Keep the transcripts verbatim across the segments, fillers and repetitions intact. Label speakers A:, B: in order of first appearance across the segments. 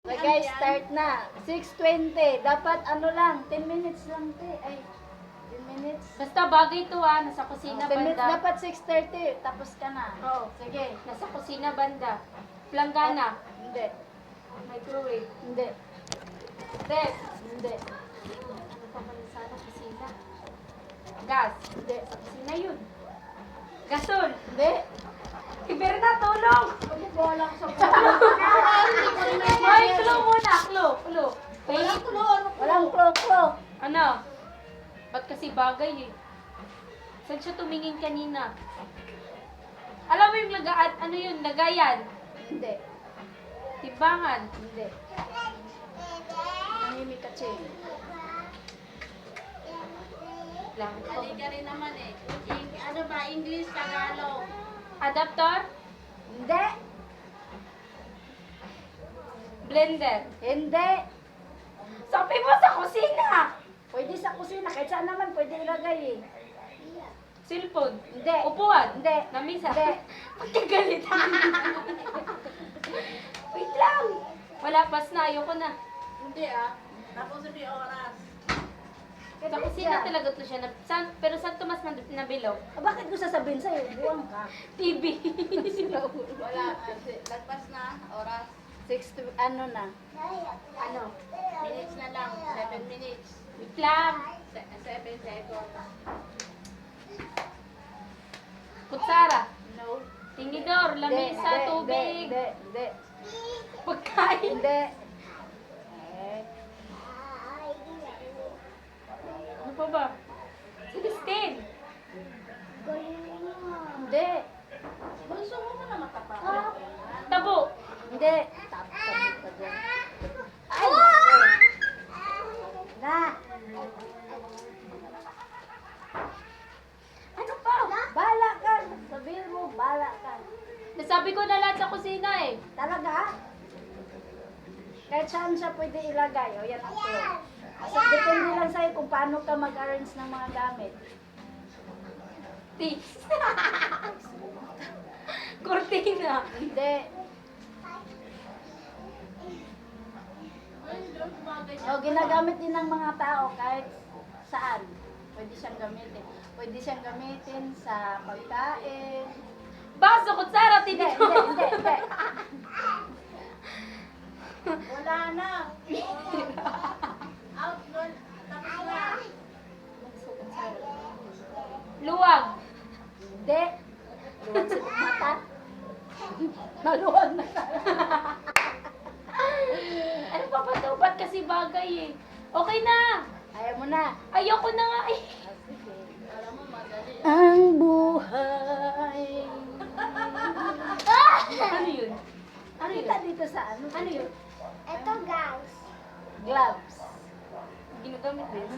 A: Okay guys, start na. six twenty. Dapat ano lang, ten minutes lang te. Ay, ten minutes.
B: Basta bagay to ah, nasa kusina
A: ten minutes.
B: banda.
A: Dapat six thirty. Tapos ka na.
B: Oo, sige, nasa kusina banda. Planggana,
A: Hindi.
B: microwave,
A: Hindi.
B: ref,
A: Hindi.
B: ano pa pala sana kusina? Gas,
A: Hindi.
B: sa kusina yun. Gasol,
A: Hindi.
B: Iberna, tulong!
A: Hindi ko alam sa
B: Ay, clue muna, clue, clue. Wait,
A: Walang klo-klo.
B: ano? Ba't kasi bagay eh? Saan siya tumingin kanina? Alam mo yung lagaan, ano yun, lagayan?
A: Hindi.
B: Timbangan.
A: Hindi. Nangyimik ka, Ching.
B: Lang.
C: Halika rin naman eh. Ing- ano ba? English, Tagalog.
B: Adapter?
A: Hindi.
B: Blender.
A: Hindi.
B: Sabi mo sa kusina!
A: Pwede sa kusina. Kahit saan naman pwede ilagay eh.
B: Cellphone.
A: Hindi.
B: Upuan.
A: Hindi.
B: Namisa.
A: Hindi.
B: Pagkagalit. Wait lang. Wala, pas na. Ayoko na.
C: Hindi ah. Tapos sabi oras.
B: Sa kusina talaga to siya. Na, san, pero saan to mas nab- nabilog?
A: Ah, bakit ko sasabihin sa'yo? Buwang ka.
B: T V.
C: Wala. Kasi lagpas na. Oras.
A: Six to, ano na?
B: ano?
C: Minutes na lang. Seven minutes.
B: Wait lang.
C: Se- seven seconds.
B: Kutsara.
A: No.
B: Tinidor.
A: Hindi,
B: Lamesa.
A: hindi,
B: Tubig.
A: Hindi, hindi.
B: Pagkain.
A: Hindi. Eh,
B: Ano pa ba? Celestine.
A: Hindi.
C: Gusto mo mo na matapak.
B: Tabo.
A: Hindi. Tap, tap, tap, tap. Ay! Na.
B: Ano pa?
A: Bala ka. Sabihin mo, bala ka.
B: Nasabi ko na lahat sa kusina eh.
A: Talaga? Kahit saan siya pwede ilagay. O, yan ang clue. Kasi depende lang sa'yo kung paano ka mag-arrange ng mga gamit.
B: Tis. Cortina.
A: Hindi.
C: Ay, doon bagay
A: O, ginagamit din ng mga tao kahit saan. Pwede siyang gamitin. Pwede siyang gamitin sa pagkain.
B: Baso, kutsara,
A: Hindi,
B: tinidor.
A: hindi, hindi, hindi.
C: Wala na. Out doon. Tapos na.
B: Luwag.
A: Hindi. Luwag sa mata. Maluwag na tayo.
B: Ano pa ba to? Ba't kasi bagay eh? Okay na.
A: Ayaw mo na.
B: Ayoko na nga eh.
A: Ah, sige.
C: Alam mo, madali.
A: Ang buhay.
B: Ano yun? Ano yun?
A: Kita dito sa ano?
B: Ano yun?
A: Ito guys. Gloves.
B: Ginagamit din.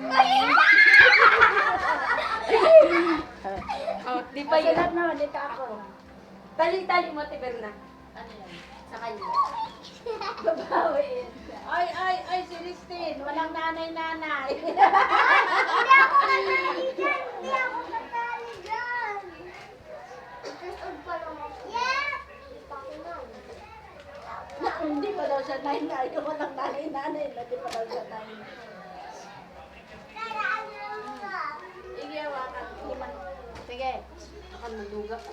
B: Oh, di pa yun.
A: Sulat na, dito ako.
B: Tali-tali mo, Tiberna.
C: Ano yan?
B: Sa kanya.
A: Babawiin.
C: Ay, ay, ay, Celestine. Walang nanay-nanay.
D: Hindi ako natali dyan! Hindi ako natali dyan! Itusod pa naman. Yeah! Pakinan.
A: Na, hindi pa daw siya nine na. Ayaw ko lang nanay-nanay. Hindi pa daw siya nine.
D: Tara, ano ka?
C: Igiyawa ka.
A: Sige.
B: Ako naluga ko.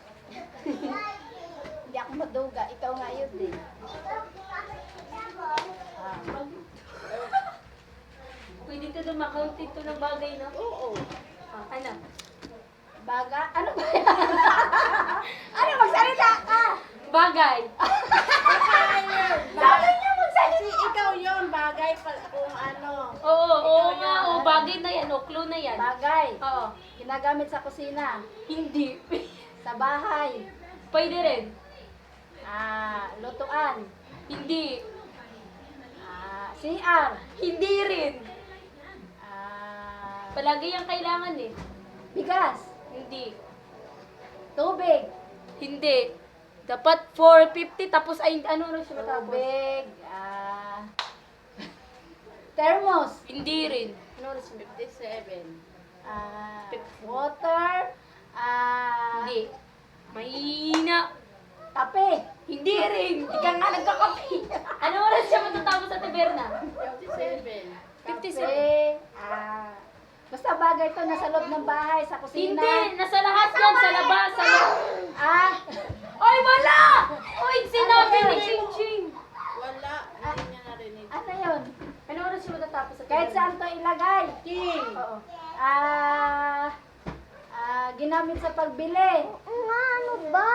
A: Hindi ako maduga. Ikaw nga yun din. Ah.
B: Pwede ito na makount ito ng bagay, no?
A: Oo.
B: Ah, ano?
A: Baga? Ano ba yan? Ano? Magsalita ka!
B: Bagay.
A: Sabi niya magsalita!
C: Kasi ikaw yon bagay pa kung ano.
B: Oo, oo nga. Oo, bagay na yan. O, clue na yan.
A: Bagay.
B: Oo.
A: Ginagamit sa kusina.
B: Hindi.
A: Sa bahay.
B: Pwede rin.
A: Ah, lutuan.
B: Hindi.
A: Ah, C R.
B: Hindi rin.
A: Ah,
B: Palagi yung kailangan eh.
A: bigas.
B: Hindi.
A: Tubig.
B: Hindi. Dapat four fifty tapos ay ano na siya matapos?
A: Tubig. Ah, thermos.
B: Hindi rin.
A: Ano oras yun?
C: fifty-seven.
A: Ah, water. Ah,
B: Hindi. Mahina.
A: kape.
B: Hindi rin. Hindi ka nga nagkakape. Ano oras siya si
A: Si,
B: Sir.
A: ah, basta bagay to nasa loob ng bahay, sa kusina.
B: Hindi, nasa lahat yan, sa labas, sa loob.
A: Ah,
B: Oy, wala! Oy, sinabi ni Ching Ching.
C: Wala, hindi niya narinig.
A: ano yun?
B: Ano oras siya matatapos sa
A: Kahit saan to ilagay.
C: King!
A: Oo. Ah, ah, ginamit sa pagbili.
D: Nga, ano ba?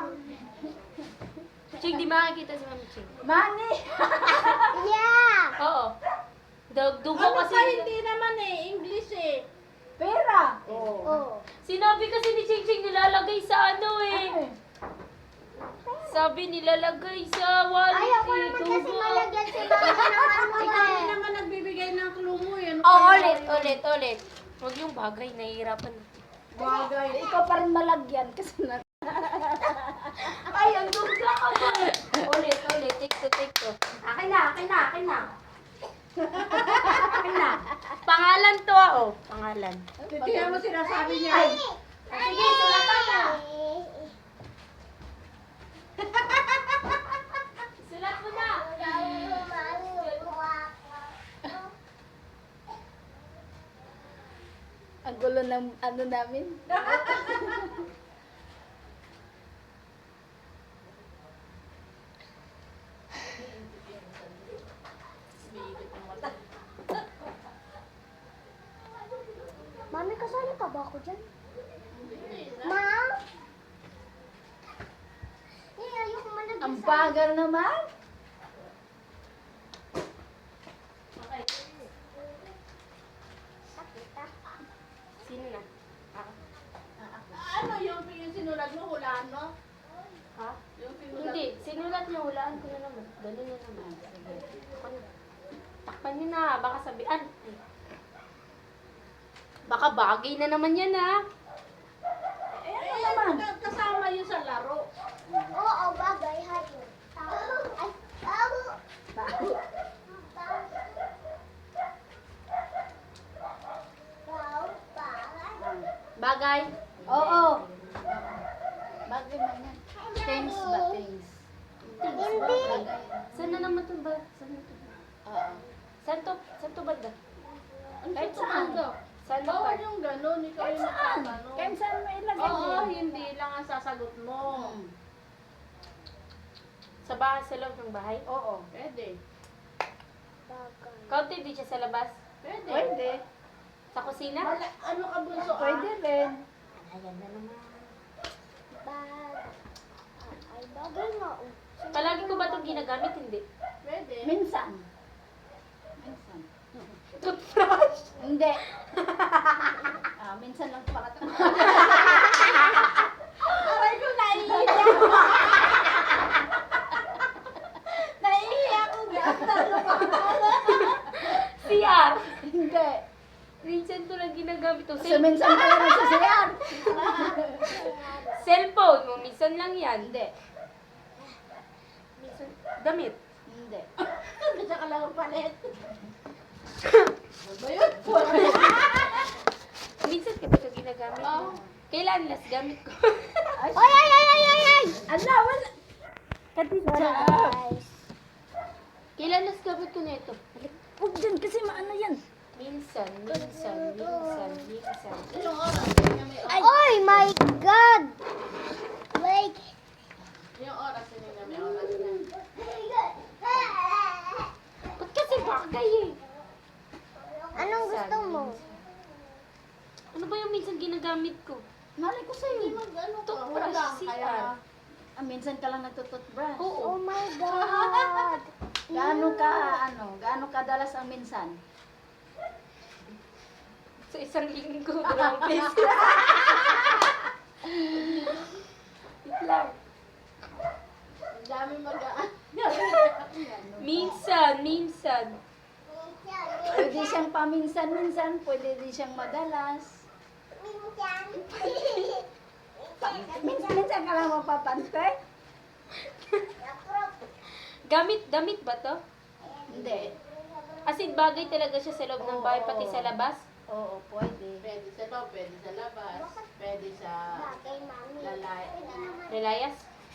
B: Ching, di makakita si Mami Ching.
A: Money.
D: Yeah!
B: Oo. Dug- Dugo
C: Ano
B: kasi.
C: pa, hindi naman eh, English eh.
A: Pera.
D: Oh.
B: Sinabi kasi ni Ching Ching nilalagay sa ano eh.
A: Ano eh?
B: Sabi nilalagay sa wallet
D: Ayaw ko
B: eh.
D: naman kasi
B: Dugo.
D: malagyan si mama ng ano
C: Ikaw
D: eh.
C: din naman nagbibigay ng clue mo yun.
B: Oh, ulit, ulit, ulit. Huwag yung bagay, nahihirapan.
A: Bagay. Ikaw pa rin malagyan kasi na.
B: Ay, ang duga ka ba? Ulit, ulit, take two, take two. Akin na, akin na, akin na. Akin na. Pangalan to ah, oh. Pangalan.
C: Tingnan mo sinasabi niya.
A: Ay,
B: Sige, sulatan na. Sulat mo na.
A: ang gulo ng ano namin.
D: Mami, kasali ka ba ako dyan? Ma? Eh, ayoko malagyan
A: Ang
D: sa...
A: bagal naman.
B: Okay.
D: Sakit ah.
B: Sino na? Ako.
C: Ano yung, yung sinulat mo, hulaan mo?
B: Ha?
C: Yung sinulat
B: Hindi, sinulat niya, hulaan ko na naman. Ganun na naman. Sige. Ako na. Takpan niyo na, baka sabihan. Ay. Baka bagay na naman yan ha.
C: Eh, ano naman? Kasama yun sa laro.
D: Oo, bagay. Hayo. Tao. Ay, tao.
A: Bago.
D: Tao. Tao.
B: Bagay.
A: Oo. Bagay man yan. Things ba things?
D: Hindi.
B: Saan na naman to ba? Saan na to?
A: Oo.
B: Saan to? Saan to banda?
A: Kahit saan.
B: Saan to
C: Bawal
B: ba?
C: yung ganun, ikaw
A: Kahit
C: yung
A: saan.
C: nagtatanong.
A: Kahit saan mo ilagay
C: Oo,
A: yan.
C: hindi lang ang sasagot mo.
A: Hmm.
B: Sa bahay, sa loob ng bahay?
A: Oo.
C: Pwede.
D: Bagay.
B: Kaunti di siya sa labas?
C: Pwede.
A: Pwede.
B: Sa kusina?
C: Mala- ano ka bunso ah?
A: Pwede rin.
B: Ayan na naman.
D: Bag. Ah, Ay, bagay nga. oh.
B: Palagi ko ba itong ginagamit? Hindi.
C: Pwede.
A: Minsan. Minsan.
B: Toothbrush?
A: Hindi. ah, minsan lang para
C: Aray ko, naiiyak. Naiiyak ko.
B: C R.
A: Hindi.
B: Minsan ko lang ginagamit ito.
A: So, minsan ka lang nagsasayar.
B: Cellphone mo, minsan lang yan.
A: Hindi.
B: Minsan, damit.
A: Hindi.
C: Bisa ka lang ang palit.
B: Minsan ka ba ito ginagamit?
C: Oo.
B: Kailan last gamit ko?
A: Ay,
D: Ay, ay, ay, ay, ay, ay!
A: ala, wala. Kadisya.
D: Guys.
B: Kailan last gamit ko na ito?
A: Huwag dyan kasi maano yan.
B: Minsan, minsan, minsan, minsan.
C: Yung oras, yun may oras.
D: Oh my God! Like,
C: Yung oras, yun yung may oras na.
B: Ba't kasi bagay eh?
D: anong gusto mo?
B: Ano ba yung minsan ginagamit ko?
A: Malay ko
C: Hindi
A: sa'yo.
C: mag ano ka,
B: Toothbrush,
C: wala.
B: C R.
C: Kaya,
A: Ah, minsan ka lang nagtututbrush.
B: Oo.
D: Oh my God!
A: Gaano ka, ano, gaano kadalas ang minsan?
B: Sa isang linggo, dalawang beses. Wait lang.
C: ang dami mag-aan.
B: Minsan, minsan.
A: Pwede siyang paminsan-minsan, pwede din siyang madalas. Minsan-minsan ka lang mapapantay?
B: Gamit, damit ba to?
A: Hindi.
B: As in, bagay talaga siya sa loob ng bahay, pati sa labas.
A: Oo, pwede.
C: Pwede sa loob, pwede sa labas, pwede sa
D: Bagay, mami.
C: lalay,
B: Relayas?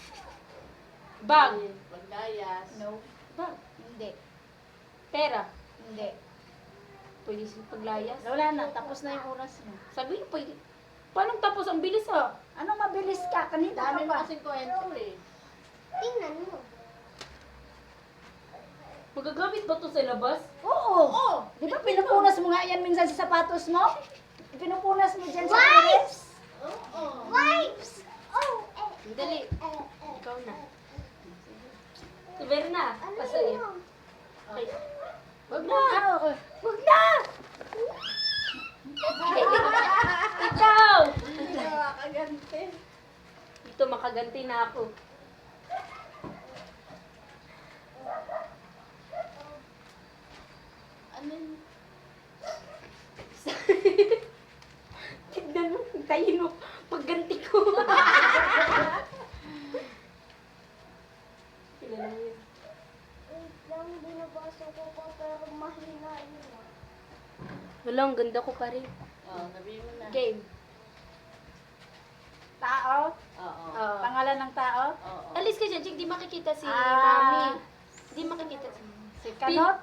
B: Bag.
C: pagdayas.
A: No.
B: Bag.
A: Hindi.
B: Pera.
A: Hindi.
B: Pwede sila paglayas.
A: Wala na, tapos na yung oras mo.
B: Sabi niyo, pwede. Paano tapos? Ang bilis ha.
A: Ano mabilis ka? Kanina ka
C: Dami mo
A: pa.
C: kasing kwento eh.
D: Tingnan mo.
B: Magagamit ba to sa labas?
A: Oo. Di ba pinupunas mo nga yan minsan sa sapatos mo? Pinupunas mo dyan sa pares?
C: Oo.
D: Wipes! Oh, eh,
B: Dali.
D: eh, eh.
B: Ikaw na. Si Berna.
D: Ano
B: Pasaya.
D: yun?
B: Ay.
A: Wag na. Wag na.
B: Ikaw!
C: Hindi na makaganti.
B: Dito makaganti na ako.
C: Ano yun?
B: Tignan mo, hintayin mo. Pagganti ko. Sila lang yun.
D: Wait lang, binabasa ko pa pero mahina yun. ah.
B: Wala, ang ganda ko pa rin.
C: Oo, sabihin mo na.
B: Game.
A: Tao?
C: Oo.
B: Oo.
A: Pangalan ng tao?
C: Oo.
B: Alis ka dyan, Chik. Di makikita si
A: Ah.
B: Mami. Di makikita si
A: Si Kanot?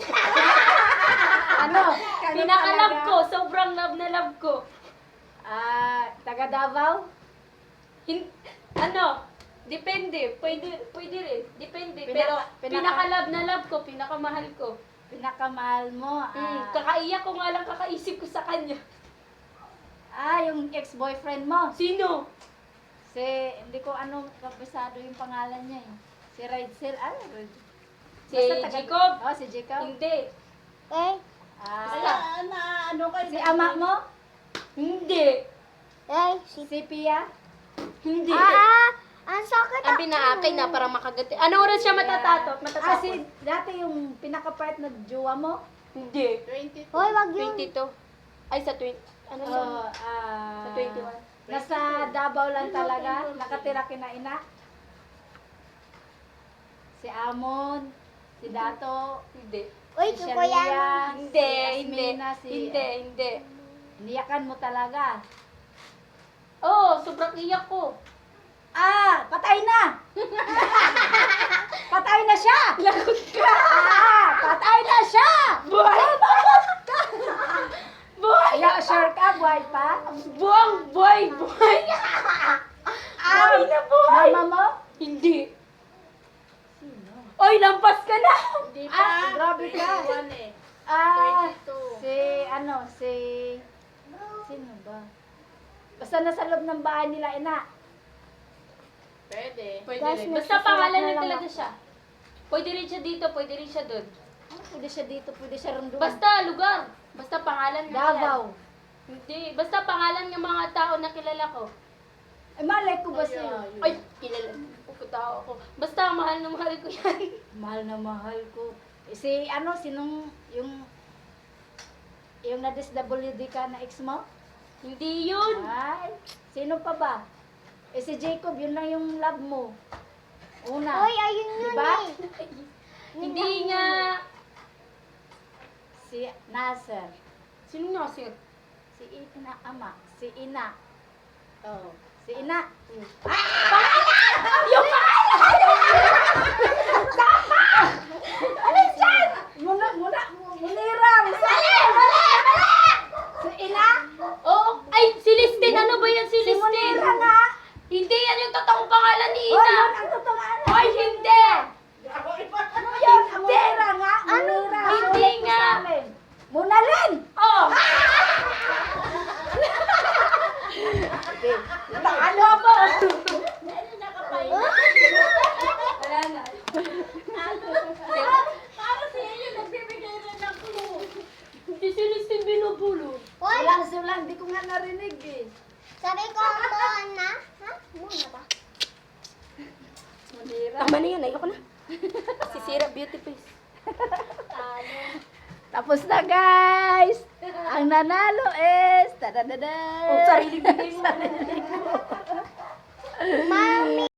A: ano? Kanot
B: Pinaka-love
A: talaga?
B: ko. Sobrang love na love ko.
A: Ah, taga Davao?
B: Hin ano? Depende. Pwede, pwede rin. Depende.
A: Pinaka-
B: Pero
A: pinaka-
B: pinaka-love na love ko. Pinakamahal ko.
A: Pinakamahal mo?
B: Mm,
A: Ah,
B: kakaiyak ko nga lang kakaisip ko sa kanya.
A: ah, yung ex-boyfriend mo?
B: Sino?
A: Si, hindi ko ano kabisado yung pangalan niya eh. Si Raidsel, ano? Red-
B: Si
A: Basta taga-
B: Jacob?
A: Oh, si Jacob?
B: Hindi.
D: Eh,
A: Ah,
C: Kaya na ano kayo?
A: si ama mo?
B: Hindi.
D: eh, si...
A: Si Pia?
B: Hindi.
D: Ah, ang sakit
B: Ang pinaakin na para makaganti. Ano oras siya matatato?
A: Ah,
B: Matatapos?
A: si, dati yung pinaka-part na jowa mo?
B: Hindi.
C: twenty-two.
D: Hoy, wag yun.
B: twenty-two. Ay, sa twenty. Ano siya?
A: Oh, ah,
B: Sa twenty-one.
A: Nasa Davao lang talaga, nakatira kina ina. Si Amon, si Dato,
B: Hindi.
D: Uy,
A: si
D: kuya.
A: Sharia,
B: Hindi,
A: si
B: hindi.
A: Asmina, si...
B: Hindi, hindi.
A: Niyakan mo talaga.
B: Oo, oh, sobrang iyak ko.
A: Ah, patay na! Patay na siya!
B: Lagot ka!
A: Ah, patay na siya!
B: Buhay! Buhay!
A: Ya, sure ka, buhay pa?
B: Buwang buhay! Buhay! Buhay na buhay!
A: Mama mo?
B: Hindi. Oy, lampas ka na!
C: Hindi pa.
A: Ah, grabe ka.
C: twenty-one eh.
A: Ah,
C: twenty-two.
A: si, ano, si... Sino ba? Basta nasa loob ng bahay nila, ina.
C: Pwede.
B: Pwede
D: Guys,
B: rin. Basta
D: nagsusulat
B: pangalan
D: na
B: niya
D: lang
B: talaga
D: ako.
B: siya. Pwede rin siya dito, pwede rin siya doon.
A: Ah, pwede siya dito, pwede siya rin doon.
B: Basta lugar. Basta pangalan ng
A: Davao.
B: Hindi. Basta pangalan ng mga tao na kilala ko.
A: Eh, malay ko ba
C: Ay,
A: sa'yo?
C: ayun.
B: Ay, kilala. Pagkatao ako. Basta mahal na mahal ko yan.
A: Mahal na mahal ko. Eh, si, ano, sinong, yung, yung na-D S W D ka na ex mo?
B: Hindi yun.
A: Ay, sino pa ba? Eh, si Jacob, yun lang yung love mo. Una.
D: Hoy, ayun yun
A: Diba?
D: eh.
B: Hindi nga.
A: Si Nasser.
B: Sino nga sir?
A: Si Ina ama. Si Ina.
C: Oo.
A: Si Ina.
B: Hmm.
A: Yung Ano dyan? Muna, muna, munirang. Mali, mali, mali. Si Ina?
B: Oh, ay, si Listin. Ano ba yan si
A: Si
B: Listin?
A: Munira nga.
B: Hindi yan yung totoong pangalan ni
A: Oh,
B: Ina.
A: yun ang totoong
B: Ay, hindi.
A: Ano yun? Ang Munira nga. Munira.
B: Hindi
A: Sulat mo
B: nga.
A: sa amin. Munalin.
B: Oh.
A: Ano ba?
C: Ano nakapahinga?
B: Wala na.
C: Para siya yung nagbibigay rin ng clue.
B: Hindi si Listin binubulong.
D: Hoy,
A: Wala sila. Hindi ko nga narinig eh.
D: sabi ko muna. Ha? Muna ba?
A: Munira.
B: Tama na yan. Ayoko na. Sisira beauty face.
A: Tapos na guys! Ang nanalo is... Tadadada!
B: Oh, sarili bigay mo.
D: Mami!